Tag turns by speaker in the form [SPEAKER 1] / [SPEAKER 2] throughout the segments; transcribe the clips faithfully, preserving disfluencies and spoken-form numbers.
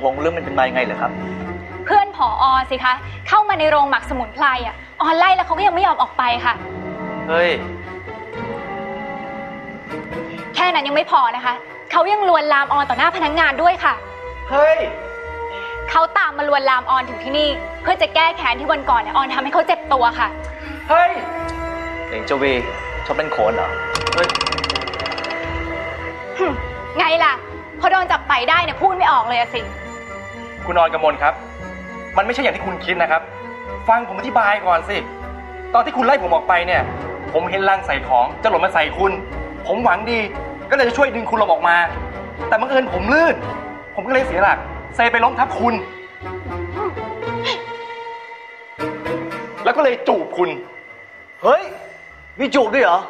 [SPEAKER 1] ลงเรื่องมันเป็นมายังไงเหรอครับ
[SPEAKER 2] เพื่อนผอ.สิคะเข้ามาในโรงหมักสมุนไพรอ่ะออนไล่แล้วเขาก็ยังไม่ยอมออกไปค่ะ
[SPEAKER 1] เฮ้ย
[SPEAKER 2] แค่นั้นยังไม่พอนะคะเขายังลวนลามออนต่อหน้าพนักงานด้วยค่ะ
[SPEAKER 1] เฮ้ย
[SPEAKER 2] เขาตามมาลวนลามออนถึงที่นี่เพื่อจะแก้แค้นที่วันก่อนเนี่ยออนทำให้เขาเจ็บตัวค่ะ
[SPEAKER 1] เฮ้ยเองเจ้าวีชอบเล่นโขนเหรอเฮ้ย
[SPEAKER 2] ไงล่ะพอโดนจับไปได้เนี่ยพูดไม่ออกเลยอะสิ
[SPEAKER 3] คุณออนกมลครับมันไม่ใช่อย่างที่คุณคิดนะครับฟังผมอธิบายก่อนสิตอนที่คุณไล่ผมออกไปเนี่ยผมเห็นลังใส่ของจะหล่นมาใส่คุณผมหวังดีก็เลยจะช่วยดึงคุณหลบออกมาแต่บังเอิญผมลื่นผมก็เลยเสียหลักเซไปล้มทับคุณแล้วก็เลยจูบคุณ
[SPEAKER 1] เฮ้ยมีจูบด้วยเหรอ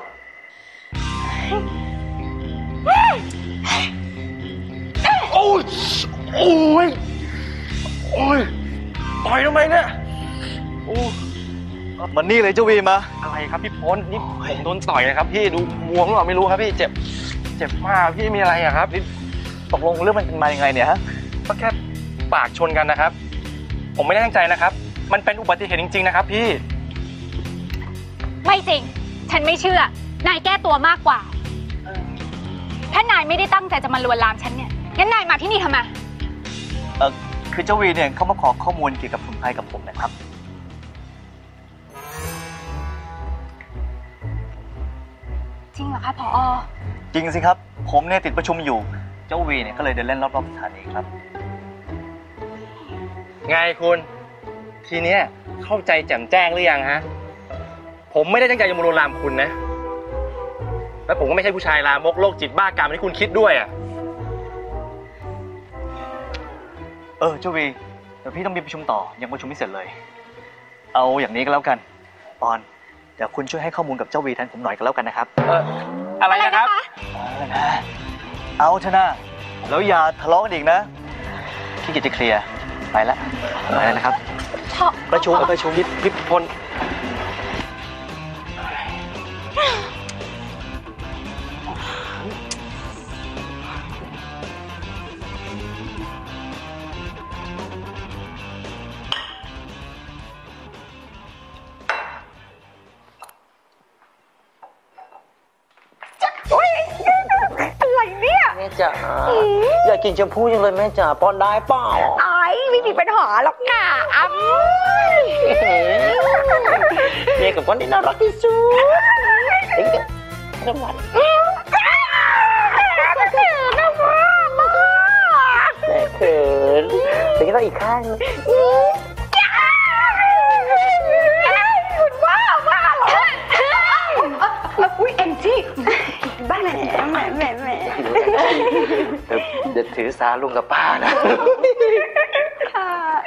[SPEAKER 3] โอ้ยโอ้ยโอ้ยต่อยทำไมเนี่ยโอ้
[SPEAKER 1] มันนี่เลยเจ้าวีมา
[SPEAKER 3] อะไรครับพี่พ้นนี่โดนต่อยนะครับพี่ดูบวมหรือเปล่าไม่รู้ครับพี่เจ็บเจ็บมากพี่มีอะไรอะครับ
[SPEAKER 1] ตกลงเรื่องมันเป็นมายังไงเนี่ยฮะ
[SPEAKER 3] ก็แค่ปากชนกันนะครับผมไม่ได้ตั้งใจนะครับมันเป็นอุบัติเหตุจริงๆนะครับพี่
[SPEAKER 2] ไม่จริงฉันไม่เชื่อนายแก้ตัวมากกว่าถ้านายไม่ได้ตั้งใจจะมาลวนลามฉันเนี่ยงั้นนายมาที่นี่ทำไม
[SPEAKER 1] เออคือเจ้าวีเนี่ยเขามาขอข้อมูลเกี่ยวกับสมุนไพรกับผมนะครับ
[SPEAKER 2] จริงเหรอคะผอ.
[SPEAKER 1] จริงสิครับผมเนี่ยติดประชุมอยู่เจ้าวีเนี่ยก็เลยเดินเล่นรอบๆสถานีครับ
[SPEAKER 3] ไงคุณทีเนี้ยเข้าใจแจ่มแจ้งหรือยังฮะผมไม่ได้ตั้งใจจะมาลวนลามคุณนะและผมก็ไม่ใช่ผู้ชายลามกโรคจิตบ้ากามที่คุณคิดด้วยอ่ะ
[SPEAKER 1] เออเจ้าวีเดี๋ยวพี่ต้องมีประชุมต่อยังประชุมไม่เสร็จเลยเอาอย่างนี้ก็แล้วกันปอนเดี๋ยวคุณช่วยให้ข้อมูลกับเจ้าวีแทนผมหน่อยก็แล้วกันนะครับ
[SPEAKER 3] เอออะไรนะครับ
[SPEAKER 1] เอาเถอะนะแล้วอย่าทะเลาะกันอีกนะพี่กิจจะเคลียร์ไปแล้วไปแล้วนะครับประชุมประชุมพิพิพล
[SPEAKER 4] แม่จ๋าอยากกินชมพู่ยังเลยแม่จ๋าป้อนได้เปล่า
[SPEAKER 5] ไอ้ไม่มีปัญหาหรอกค่ะอ้ำ
[SPEAKER 4] เมียกับป้อนนี่น่ารักที่สุดเด็กๆน้ำหวานแม่เขินเดี๋ยวก็ต้องอีกข้างนึง
[SPEAKER 5] คุณบ้าบ้าเหรอแล้วอุ้ยเอ็มจี้บ้าแหมแหมแหมแหม
[SPEAKER 4] เดี๋ยวถือสาลุงกับป้านะ
[SPEAKER 5] ค่ะ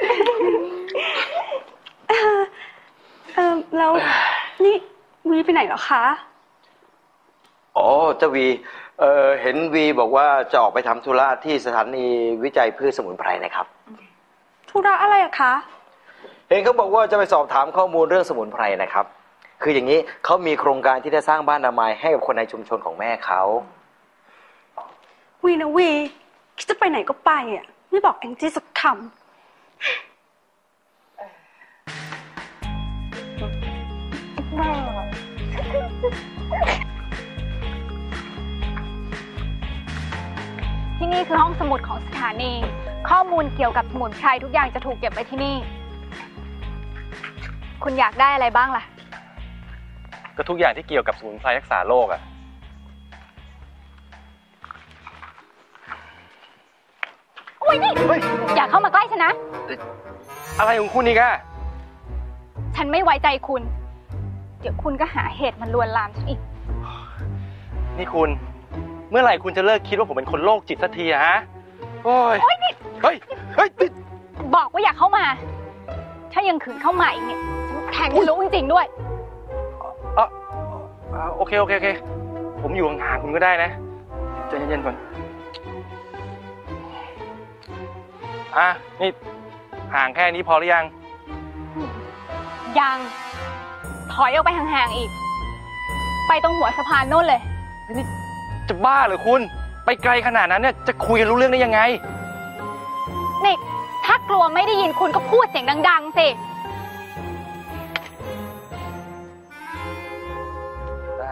[SPEAKER 5] เออแล้วนี่วีไปไหนเหรอคะ
[SPEAKER 4] อ๋อเจ้าวีเออเห็นวีบอกว่าจะออกไปทำธุระที่สถานีวิจัยพืชสมุนไพรนะครับ
[SPEAKER 5] ธุระอะไรอะคะ
[SPEAKER 4] เห็นเขาบอกว่าจะไปสอบถามข้อมูลเรื่องสมุนไพรนะครับคืออย่างนี้เขามีโครงการที่จะสร้างบ้านอนามัยให้กับคนในชุมชนของแม่เขา
[SPEAKER 5] วีนะวีคิดจะไปไหนก็ไปอ่ะไม่บอกแองจี้สักคำ
[SPEAKER 2] ที่นี่คือห้องสมุดของสถานีข้อมูลเกี่ยวกับสมุนไพรทุกอย่างจะถูกเก็บไว้ที่นี่คุณอยากได้อะไรบ้างล่ะ
[SPEAKER 3] ก็ทุกอย่างที่เกี่ยวกับสมุนไพรรักษาโรคอ่ะ
[SPEAKER 2] โอ้ยนี่อย่าเข้ามาใกล้ฉันนะ
[SPEAKER 3] อะไรของคุณนี่กะ
[SPEAKER 2] ฉันไม่ไว้ใจคุณเดี๋ยวคุณก็หาเหตุมันลวนลามฉันอีก
[SPEAKER 3] นี่คุณเมื่อไหร่คุณจะเลิกคิดว่าผมเป็นคนโรคจิตสักทีฮะโอ้ยเฮ้ยเฮ้ย
[SPEAKER 2] บอกว่าอย่าเข้ามาถ้ายังขืนเข้ามาอีกเนี่ยฉันแทงคุณรู้จริงๆด้วย
[SPEAKER 3] เออโอเคโอเคโอเคผมอยู่ห่างๆคุณก็ได้นะใจเย็นๆก่อนอ่ะนี่ห่างแค่นี้พอหรือยัง
[SPEAKER 2] ยังถอยออกไปห่างๆอีกไปตรงหัวสะพานโน่นเลย
[SPEAKER 3] นี่จะบ้าเหรอคุณไปไกลขนาดนั้นเนี่ยจะคุยกันรู้เรื่องได้ยังไง
[SPEAKER 2] นี่ถ้ากลัวไม่ได้ยินคุณก็พูดเสียงดังๆสิ
[SPEAKER 3] ได้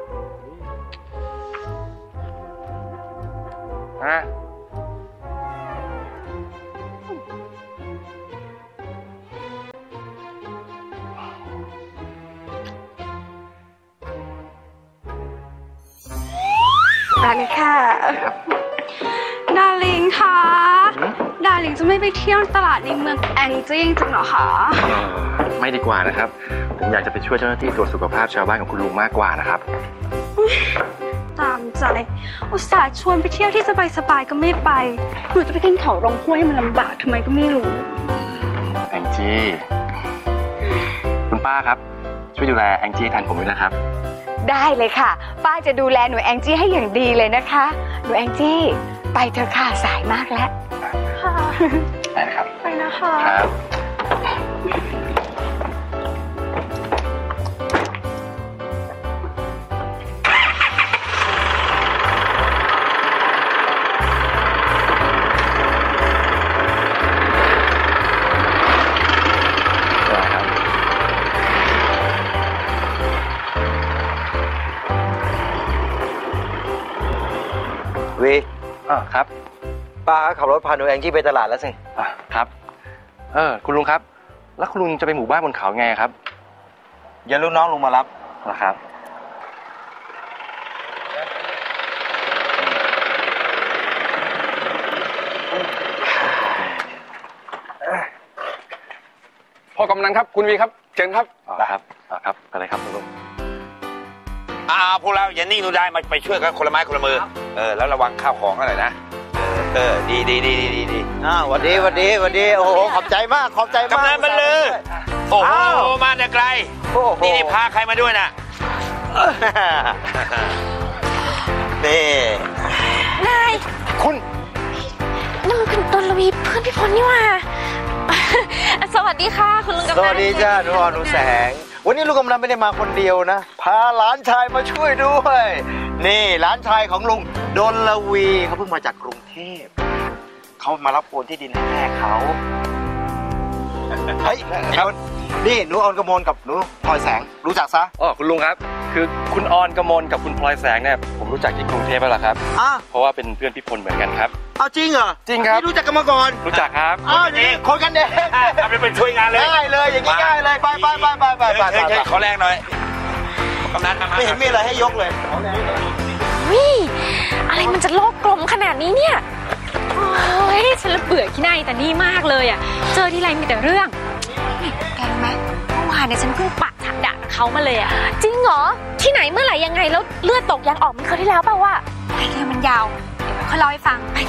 [SPEAKER 3] ฮะ
[SPEAKER 5] ได้เลยค่ะดาริงค่ะดาริงจะไม่ไปเที่ยวตลาดในเมืองแองจี้จริงเหรอคะ
[SPEAKER 3] ไม่ดีกว่านะครับผมอยากจะไปช่วยเจ้าหน้าที่ตรวจสุขภาพชาวบ้านของคุณลุงมากกว่านะครับ
[SPEAKER 5] ตามใจอุตส่าห์ชวนไปเที่ยวที่สบายๆก็ไม่ไปหนูจะไปกินเขาลงห้วยมันลำบากทำไมก็ไม่รู้
[SPEAKER 3] แองจี้คุณป้าครับช่วยดูแลแองจี้แทนผมด้วยนะครับ
[SPEAKER 5] ได้เลยค่ะป้าจะดูแลหนูแองจี้ให้อย่างดีเลยนะคะหนูแองจี้ไปเถอะค่ะสายมากแล้วค่ะ
[SPEAKER 3] ได้นะครับ
[SPEAKER 5] ไปนะคะ
[SPEAKER 3] ครับ
[SPEAKER 4] วี
[SPEAKER 3] อ่าครับ
[SPEAKER 4] ป้าขับรถพาหนูแองจี้ไปตลาดแล้วสิ
[SPEAKER 3] อ่ะครับเออคุณลุงครับแล้วคุณลุงจะไปหมู่บ้านบนเขาไงครับ
[SPEAKER 4] อย่าลูกน้องลุงมารับ
[SPEAKER 3] เหรอครับ
[SPEAKER 6] พ่อกำนันครับคุณวีครับเชิญครับ
[SPEAKER 3] อ๋อครับอ๋อครับอะไรครับคุณลุง
[SPEAKER 7] อ่าพวกเราอย่านิ่งดูได้มาไปช่วยกันคนละไม้คนละมือเออแล้วระวังข้าวของอะไรนะเออดีดีดีดีดี
[SPEAKER 4] อ้าวหวัดดีหวัดดีหวัดดีโอ้โหขอบใจมากขอบใจมาก
[SPEAKER 7] กำนันบรรลือโอ้โหมาแต่ไกล
[SPEAKER 4] โอ้โห
[SPEAKER 7] นี่นี่พาใครมาด้วยน่ะ
[SPEAKER 4] นี่
[SPEAKER 8] นาย
[SPEAKER 3] คุณ
[SPEAKER 8] นั่นมันเป็นดลวีเพื่อนพี่พลนี่หว่า สวัสดีค่ะคุณลุงกำนัน
[SPEAKER 4] สวัสดีจ้าหนูอ่อนหนูแสงวันนี้ลูกกำนันไม่ได้มาคนเดียวนะพาหลานชายมาช่วยด้วยนี่หลานชายของลุงดลวีเขาเพิ่งมาจากกรุงเทพเขามารับโอนที่ดินให้แม่เขาเฮ้ยครับนี่หนูออนกมลกับหนูพลอยแสงรู้จักซะ
[SPEAKER 3] อ๋อคุณลุงครับคือคุณออนกมลกับคุณพลอยแสงเนี่ยผมรู้จักที่กรุงเทพแล้วล่ะครับ
[SPEAKER 4] อ้า
[SPEAKER 3] เพราะว่าเป็นเพื่อนพี่พลเหมือนกันครับ
[SPEAKER 4] เอาจริงเหรอ
[SPEAKER 3] จริงครับ
[SPEAKER 4] นี่รู้จักกันมาก่อน
[SPEAKER 3] รู้จักครับ
[SPEAKER 4] อ้าวนี่คนกันเอง
[SPEAKER 7] ทำเป็นช่วยงานเลย
[SPEAKER 4] ง่ายเลยอย่างนี้ง่ายเลยไปไปไปไปไปไป
[SPEAKER 7] เฮ้ยเฮ้ยขอแรงหน่อยกำนันมา
[SPEAKER 4] ไม่เห็นมีอะไรให้ยกเลย
[SPEAKER 8] วิอะไรมันจะโลกกลมขนาดนี้เนี่ย
[SPEAKER 2] โอ้ยฉันละเบื่อขี้หน้าแต่นี่มากเลยอ่ะเจอทีไรมีแต่เรื่องนี่แกรู้ไหมเมื่อวานเนี่ยฉันเพิ่งปะฉากด่ากับเขามาเลยอ่ะ
[SPEAKER 8] จริงเหรอที่ไหนเมื่อไหร่ยังไงแล้วเลือดตกยางออกมันเคยที่แล้วเปล่าวะ
[SPEAKER 2] ไอ้เรื่องมันยาวเดี๋ยวค่อยเล่าให้ฟังไป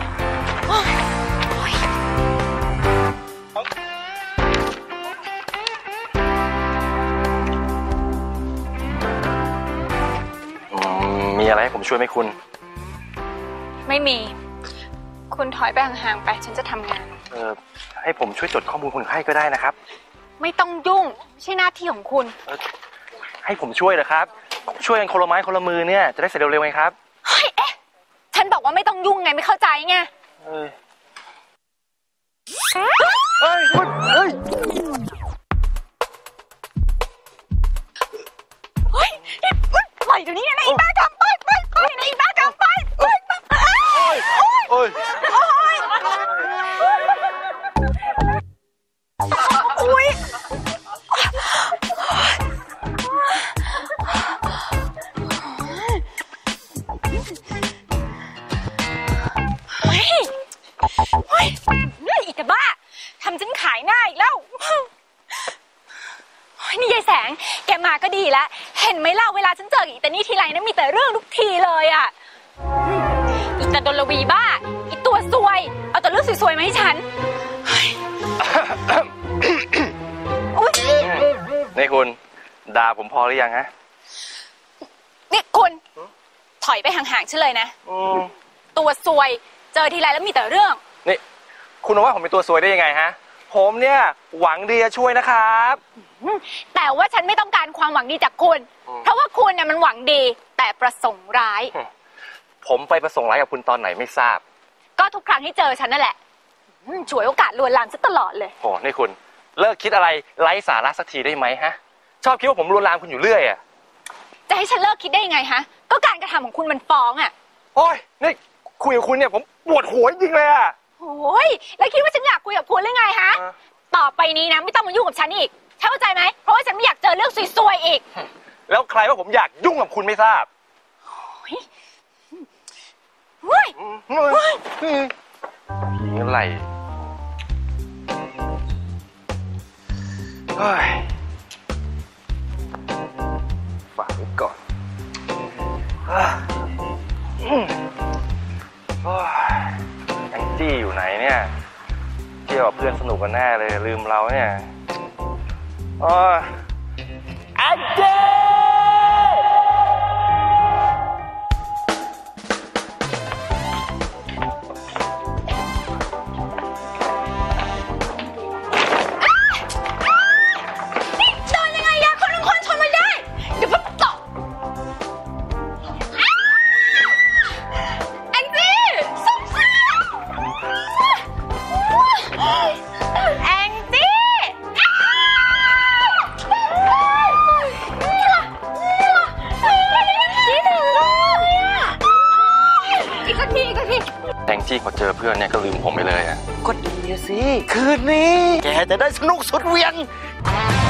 [SPEAKER 3] อืมมีอะไรให้ผมช่วยไหมคุณ
[SPEAKER 2] ไม่มี คุณถอยไปห่างๆไปฉันจะทำงาน
[SPEAKER 3] เออให้ผมช่วยจดข้อมูลคนไข้ก็ได้นะครับ
[SPEAKER 2] ไม่ต้องยุ่งไม่ใช่หน้าที่ของคุณ
[SPEAKER 3] เออให้ผมช่วยเหรอครับ ช่วยกันคนละไม้คนละมือเนี่ยจะได้เสร็จเร็วๆไงครับ
[SPEAKER 2] เฮ้ยเอ๊ะฉันบอกว่าไม่ต้องยุ่งไงไม่เข้าใจไง
[SPEAKER 3] เออเฮ้ยคุณเฮ้ย
[SPEAKER 2] เฮ้ยปล่อยเดี๋ยวนี้นะไอ้บ้ากำไปไปไปนะไอ้บ้ากำไปไปไปโอ้ยโอ้ยโอ้ยเฮ้ยเฮ้ยนี่อีกแต่บ้าทำฉันขายหน้าอีกแล้วนี่ยายแสงแกมาก็ดีแล้วเห็นไหมเล่าเวลาฉันเจออีแต่นี่ทีไรนะมีแต่เรื่องทุกทีเลยอ่ะอีแต่ดลวีบ้าอีตัวซวยเอาแต่เรื่องสวยๆมาให้ฉันอุ๊ย
[SPEAKER 3] นี่คุณด่าผมพอหรือยังฮะ
[SPEAKER 2] นี่คุณถอยไปห่างๆฉันเลยนะตัวซวยเจอทีไรแล้วมีแต่เรื่อง
[SPEAKER 3] นี่คุณว่าผมเป็นตัวซวยได้ยังไงฮะผมเนี่ยหวังดีจะช่วยนะครับ
[SPEAKER 2] แต่ว่าฉันไม่ต้องการความหวังดีจากคุณ เพราะว่าคุณเนี่ยมันหวังดีแต่ประสงค์ร้าย
[SPEAKER 3] ผมไปประสงค์ร้ายกับคุณตอนไหนไม่ทราบ
[SPEAKER 2] ก็ทุกครั้งที่เจอฉันนั่นแหละฉวยโอกาสลวนลามซะตลอดเลย
[SPEAKER 3] โหนี่คุณเลิกคิดอะไรไร้สาระสักทีได้ไหมฮะ ชอบคิดว่าผมลวนลามคุณอยู่เรื่อยอะ
[SPEAKER 2] จะให้ฉันเลิกคิดได้ยังไงฮะ ก็การกระทำของคุณมันฟ้องอ่ะ
[SPEAKER 3] โอ้ยนี่คุยกับคุณเนี่ยผมปวดหัวจริงเลยอะ
[SPEAKER 2] โอ้ยแล้วคิดว่าฉันอยากคุยกับคุณหรือไงฮะ
[SPEAKER 3] อ่ะ
[SPEAKER 2] ต่อไปนี้นะไม่ต้องมายุ่งกับฉันอีกเข้าใจไหมเพราะว่าฉันไม่อยากเจอเรื่องซวยๆอีก
[SPEAKER 3] แล้วใครว่าผมอยากยุ่งกับคุณไม่ทราบ
[SPEAKER 2] เฮ้ย
[SPEAKER 3] ผีอะไรเฮ้ยฝากไว้ก่อนอ่ะอืมโอ้ยแองจี้อยู่ไหนเนี่ยเที่ยวกับเพื่อนสนุกกันแน่เลยลืมเราเนี่ยโอ้ยแองจี้
[SPEAKER 2] นี่เดินยังไงอะคนทั้งคนชนมันได้ เดี๋ยวพับตกแองจี้สงสารแองจี้นี่ล่ะนี่ล่ะนี่ถึงเลยอะอีกสักทีอีกสักที
[SPEAKER 3] แองจี้พอเจอเพื่อนเนี่ยก็ลืมผมไปเลยอะ
[SPEAKER 4] ก็ดีสิ คืนนี้ แกจะได้สนุกสุดเหวียง